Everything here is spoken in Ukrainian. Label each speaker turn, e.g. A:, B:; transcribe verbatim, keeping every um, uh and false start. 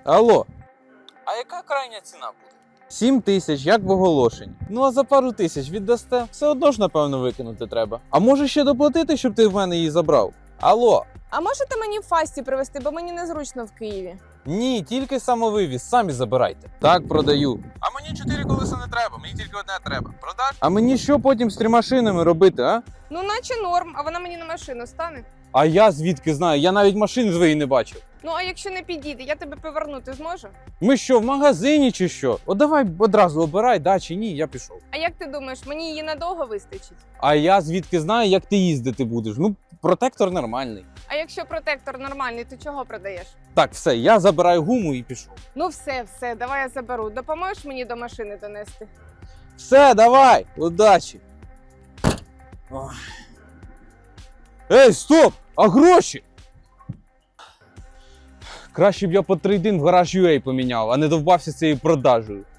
A: Алло,
B: А яка крайня ціна буде?
A: сім тисяч, як в оголошенні. Ну а за пару тисяч віддасте, все одно ж, напевно, викинути треба. А може ще доплатити, щоб ти в мене її забрав? Алло,
C: А можете мені в фасті привезти, бо мені незручно в Києві.
A: ні, тільки самовивіз, самі забирайте. Так, продаю. А мені чотири колеса не треба, мені тільки одне треба. Продаш? А мені що потім з трьома шинами робити, а?
C: Ну, наче норм, а вона мені на машину стане.
A: А я звідки знаю? Я навіть машин своєї не бачив.
C: Ну, а якщо не підійде, я тебе повернути зможу?
A: Ми що, в магазині чи що? О, давай одразу обирай, да чи ні, я пішов.
C: А як ти думаєш, мені її надовго вистачить?
A: А я звідки знаю, як ти їздити будеш? Ну, протектор нормальний.
C: А якщо протектор нормальний, то чого продаєш?
A: Так, все, я забираю гуму і пішов.
C: Ну все, все, давай я заберу. Допоможеш мені до машини донести?
A: Все, давай, удачі. Ой. Ей, стоп! А гроші? Краще б я по трейдинг в гараж ю ей поміняв, а не довбався цією продажею.